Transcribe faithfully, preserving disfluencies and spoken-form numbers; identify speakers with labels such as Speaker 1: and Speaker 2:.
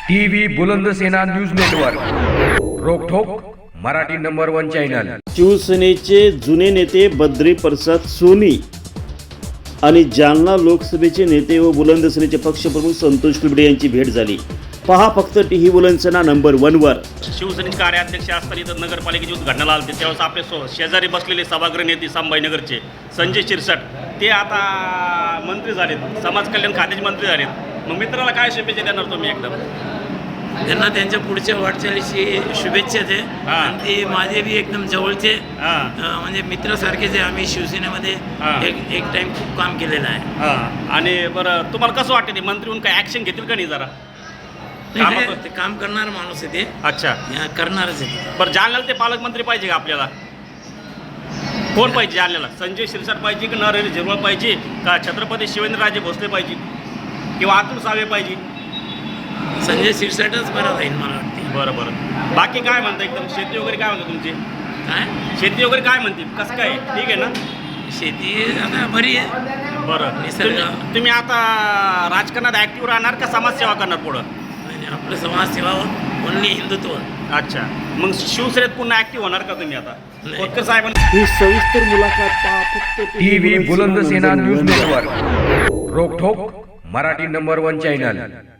Speaker 1: TV Bulandsena news network, रोकठोक Marathi number one channel.
Speaker 2: शिवसेनेचे जुने नेते बद्री प्रसाद सोनी आणि जालना लोकसभेचे नेते व बुलंदसेनेचे पक्षप्रमुख संतोष कुलबडे यांची भेट झाली। पहा फक्त टीव्ही बुलंदसेना नंबर वन वर।
Speaker 3: शिवसेनेचे कार्याध्यक्ष असताना इथं नगरपालिकेची उद्घाटनाला आले त्यावेळेस आपले सो शेजारी बसलेले सभागृह नेते संभाजीनगरचे संजय शिरसाट ते आता मंत्री झालेत, समाज कल्याण खात्याचे मंत्री झालेत। मग मित्राला काय शुभेच्छा देणार तुम्ही? एकदम
Speaker 4: त्यांना त्यांच्या पुढच्या वाटचालीशी शुभेच्छा दे आणि ते माझे बी एकदम जवळचे म्हणजे मित्रासारखेच आहे। आम्ही शिवसेनेमध्ये एक एक टाइम खूप काम केलेलं आहे।
Speaker 3: आणि बरं तुम्हाला कसं वाटतं ते मंत्री होऊन काय ॲक्शन घेतील का नाही? जरा
Speaker 4: ते काम करणार माणूस आहे ते।
Speaker 3: अच्छा,
Speaker 4: करणारच आहे।
Speaker 3: बरं जालन्याला ते पालकमंत्री पाहिजे का आपल्याला? कोण पाहिजे जालन्याला? संजय शिरसाट पाहिजे की नरहरी झिरवळ पाहिजे का छत्रपती शिवेंद्रराजे भोसले पाहिजे किंवा अतुल सावे पाहिजे?
Speaker 4: संजय शिरसाटच बरं राहील मला वाटते।
Speaker 3: बरं बरं बाकी काय म्हणता? एकदम शेती वगैरे काय म्हणते तुमची?
Speaker 4: काय
Speaker 3: शेती वगैरे काय म्हणते? कसं काय? ठीक आहे ना
Speaker 4: शेती? आता बरी आहे।
Speaker 3: बरं,
Speaker 4: निसर्ग
Speaker 3: तुम्ही- तुम्ही आता राजकारणात ॲक्टिव्ह राहणार का समाजसेवा करणार पुढं?
Speaker 4: आणि आपलं समाजसेवा ओनली हिंदुत्व।
Speaker 3: अच्छा, मग शिवसेनेत पुन्हा ॲक्टिव्ह होणार का तुम्ही आता? खोतकर साहेब
Speaker 2: ही सविस्तर मुलाखत पहा फक्त
Speaker 1: टीव्ही बुलंदसेना न्यूज नेटवर्क, रोकठोक मराठी नंबर वन चॅनल।